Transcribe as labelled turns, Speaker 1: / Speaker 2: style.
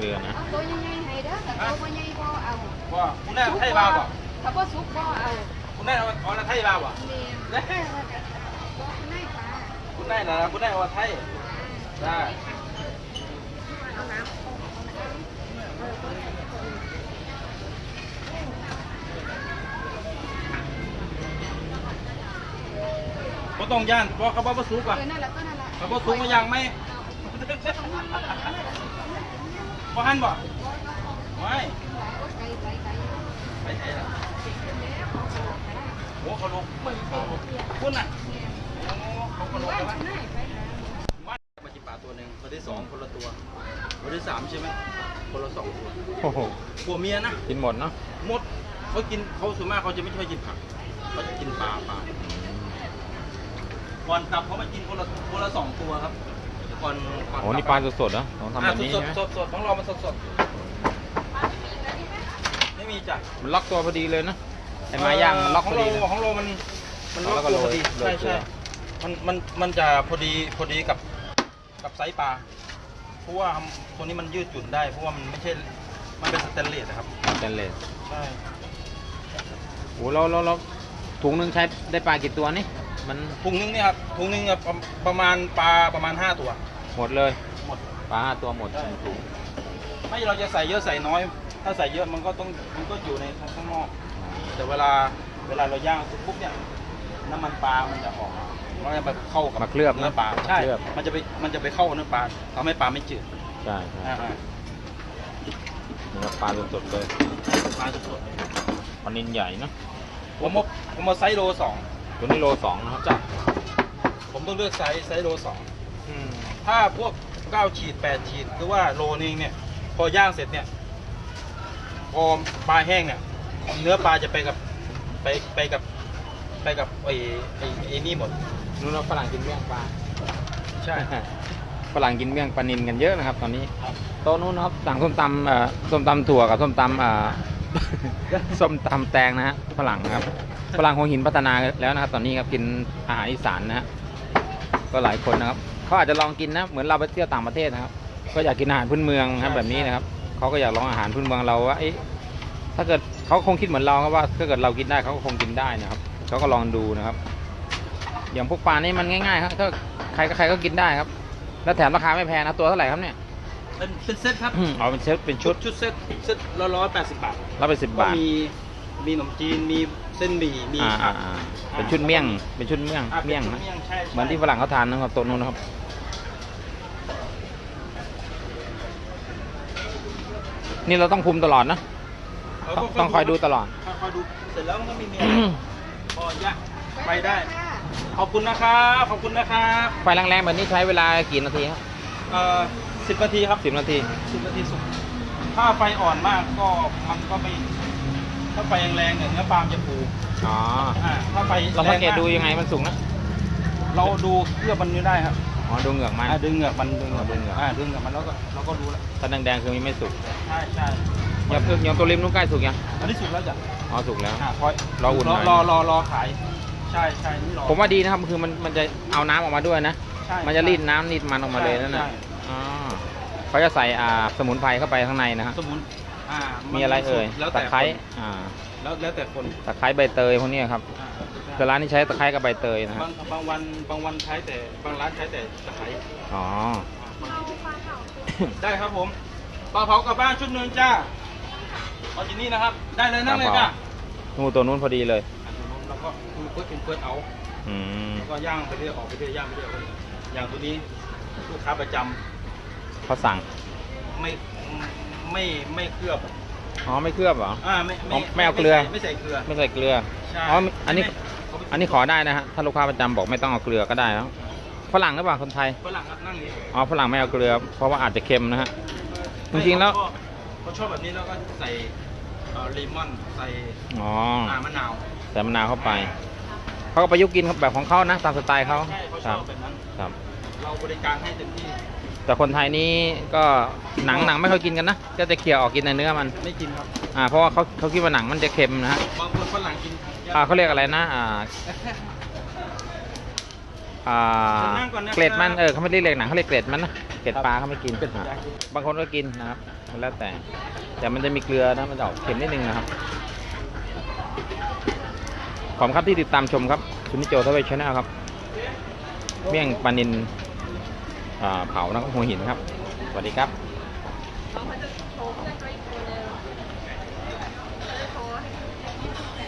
Speaker 1: ลือนะ
Speaker 2: ตัวใหญ่ๆให้เด้อแต่ตัวใหญ่บ่เอา
Speaker 3: ว่าคุณได้ไทยบ้าป่ะ
Speaker 2: ถ้าบ่สุกบ่เอา
Speaker 3: คุณได้เอาไทยบ้าป่ะ
Speaker 2: นี่คุณได้ปลา
Speaker 3: คุณได้นะคุณได้เอาไทยได้
Speaker 2: เอาน้ำ
Speaker 3: ก็ต้องย่านเพราะเขาบอกว่าสุกอ่ะเขาบอกสุกมายังไหมพอหันบ่ไม่ไปไหนล่ะโอ้เขาลงคุณน่ะเขาลงแล้วว่ามาจิบปลาตัวหนึ่งตัวที่2คนละตัวตัวที่3ใช่ไหมคนละ2ตัว
Speaker 1: โอ้โห
Speaker 3: ผัวเมียนะ
Speaker 1: กินหมดเนาะ
Speaker 3: หมดเขากินเขาส่วนมากเขาจะไม่ค่อยกินผักเขาจะกินปลาก่อนกลับเขามากินคนละ2ตัวครับก่อน
Speaker 1: โอ้นี่ปลาสดๆนะต้องทำแบบนี้ใช่ไหม
Speaker 3: สดของเรามันสดไม่มีจ้ะ
Speaker 1: มันล็อกตัวพอดีเลยนะไอ้ไม้ย่างมันล็อกพอดี
Speaker 3: ของเรามันล็อกตัวพอดีใช่มันจะพอดีกับไซส์ปลาเพราะว่าตัวนี้มันยืดหยุ่นได้เพราะว่ามันไม่ใช่มันเป็นสแตนเลสครับ
Speaker 1: สแตนเลส
Speaker 3: ใช่
Speaker 1: โอ้เราถุงนึงใช้ได้ปลากี่ตัวนี่มัน
Speaker 3: ถุงนึงเนี่ยครับถุงนึงประมาณปลาประมาณ5ตัว
Speaker 1: หมดเลย
Speaker 3: หมด
Speaker 1: ปลา5ตัวหมดถุง
Speaker 3: ไม่เราจะใส่เยอะใส่น้อยถ้าใส่เยอะมันก็อยู่ในข้างนอกแต่เวลาเราย่างปุ๊บเนี่ยน้ำมันปลามันจะออกมันจะไปเข้ากับ
Speaker 1: มาเคลือบ
Speaker 3: เนื้อปลาใช่มันจะไปเข้าเนื้อปลาทำให้ปลาไม่จืด
Speaker 1: ใช่เนื้อปลาสดๆเลย
Speaker 3: ปลาสด
Speaker 1: ปลานิลใหญ่เนาะ
Speaker 3: ผมมาไซส์โล2
Speaker 1: ตัวนี้โล2นะครับ
Speaker 3: จ้ะผมต้องเลือกไซส์โล2ถ้าพวก9ขีด8ขีดหรือว่าโลนึงเนี่ยพอย่างเสร็จเนี่ยพอปลาแห้งเนี่ยเนื้อปลาจะไปกับไอ้นี่หมด
Speaker 1: นู้นฝรั่งกินเมี่ยงปลา
Speaker 3: ใช่
Speaker 1: ฝรั่งกินเมี่ยงปลานิลกันเยอะนะครับตอนนี้โต๊ะนู้นนะครับสั่งส้มตำถั่วกับส้มตำแตงนะฮะฝรั่งนะครับฝรั่งหัวหินพัฒนาแล้วนะครับตอนนี้ครับกินอาหารอีสานนะฮะก็หลายคนนะครับเขาอาจจะลองกินนะเหมือนเราไปเที่ยวต่างประเทศนะครับก็อยากกินอาหารพื้นเมืองครับแบบนี้นะครับเขาก็อยากลองอาหารพื้นเมืองเราว่าถ้าเกิดเขาคงคิดเหมือนเราครับว่าถ้าเกิดเรากินได้เขาก็คงกินได้นะครับเขาก็ลองดูนะครับอย่างพวกปลานี่มันง่ายๆครับถ้าใครก็กินได้ครับแล้วแถมราคาไม่แพงนะตัวเท่าไหร่ครับเนี่ย
Speaker 3: เป็นเซตครับ
Speaker 1: อ๋อเป็นเซตเป็นชุด
Speaker 3: เซต180 บาท
Speaker 1: 180 บาท
Speaker 3: มีขนมจีนมีเส้นหมี่มี
Speaker 1: เป็นชุดเมี่ยงนะเหมือนที่ฝรั่งเขาทานนะครับตัวนู้นนะครับนี่เราต้องคุมตลอดนะต้องคอยดูตลอด
Speaker 3: คอยดูเสร็จแล้วมันก็มีเมียพอยะไปได้ขอบคุณนะครับ
Speaker 1: ไฟแรงๆแบบนี้ใช้เวลากี่นาทีครับ
Speaker 3: 10 นาทีครับ
Speaker 1: 10 นาที
Speaker 3: สุกถ้าไฟอ่อนมากก็มันก็ไม่ถ้าไฟแรงๆเนี่ยเนื้อปลาจะฟูถ้าไฟ
Speaker 1: เราสังเกตดูยังไงมันสุกนะ
Speaker 3: เราดูเคลือบมันนี่ได้ครับ
Speaker 1: ดูเหงือกมัน
Speaker 3: ดึงเหงือกมันแล้วก็เราก็ดูแล้ว
Speaker 1: ถ้าแดงๆคือมันไม่สุก
Speaker 3: ใช่
Speaker 1: อย่างตัวริมนู้นใกล้สุกยัง
Speaker 3: อันนี้สุกแล้วจ้ะ
Speaker 1: สุกแล้ว
Speaker 3: รออุ่นรอขายใช่นี่รอ
Speaker 1: ผมว่าดีนะครับคือมันจะเอาน้ำออกมาด้วยนะมันจะรีดน้ำรีดมันออกมาเลยนั่นน่ะเขาจะใส่สมุนไพรเข้าไปข้างในนะครับมีอะไรเอ่ยตะไคร้
Speaker 3: แล้วแต่คน
Speaker 1: ตะไคร้ใบเตยพวกนี้ครับแต่ร้านนี้ใช้ตะไคร้กับใบเตยนะครับ
Speaker 3: บางวันใช้แต่บางร้านใช้แต่ตะไคร้ได้ครับผมปลาเผากลับบ้านชุดนึงจ้าเอาที่นี่นะครับได้เลยนั่งเลยจ้า
Speaker 1: ตัวนู้นพอดีเลย
Speaker 3: แล้วก็เปิดเอาแล้วก็ย่างไปเรื่อยออกไปเรื่อยย่างไปเรื่อยอย่างตัวนี้ลูกค้าประจำ
Speaker 1: เขาสั่ง
Speaker 3: ไม่เคลือบ
Speaker 1: ไม่เคลือบเหรอไม่เอาเกลือ
Speaker 3: ไม่ใส่เกลือ
Speaker 1: อันนี้ขอได้นะฮะถ้าลูกค้าประจำบอกไม่ต้องเอาเกลือก็ได้แล้วฝรั่งหรือเปล่าคนไทย
Speaker 3: ฝรั่งนั่ง
Speaker 1: นี่ฝรั่งไม่เอาเกลือเพราะว่าอาจจะเค็มนะฮะจริงๆแล้ว
Speaker 3: เขาชอบแบบนี้แล้วก็ใส่เลมอนใส่มะนาว
Speaker 1: ใส่มะนาวเข้าไปเขาก็ประยุกต์กินแบบของเขานะตามสไตล์เขา
Speaker 3: ชอบแบบนั้น
Speaker 1: ครับ
Speaker 3: เราบริการให้เต็มที่
Speaker 1: แต่คนไทยนี่ก็หนังไม่ค่อยกินกันนะก็จะเคี่ยวออกกินในเนื้อมัน
Speaker 3: ไม่กินครับ
Speaker 1: เพราะว่าเขาคิดว่าหนังมันจะเค็มนะฮะ
Speaker 3: บางคนฝรั่งกิน
Speaker 1: เขาเรียกอะไรนะอ่า
Speaker 3: นั่งก่อนนะครับ
Speaker 1: เกล็ดมันเขาไม่เรียกเกล็ดหนังเขาเรียกเกล็ดมันนะเกล็ดปลาเขาไม่กินบางคนก็กินนะครับแล้วแต่มันจะมีเกลือนะมันจะออกเค็มนิดนึงนะครับขอบคุณครับที่ติดตามชมครับซุนิโจทวีชแนลครับเมี่ยงปลานิลเผานะครับหัวหินครับสวัสดีครับ
Speaker 2: เขาจะโทรเพื่อนไว้ตัวเดิมเขาจะโทรให้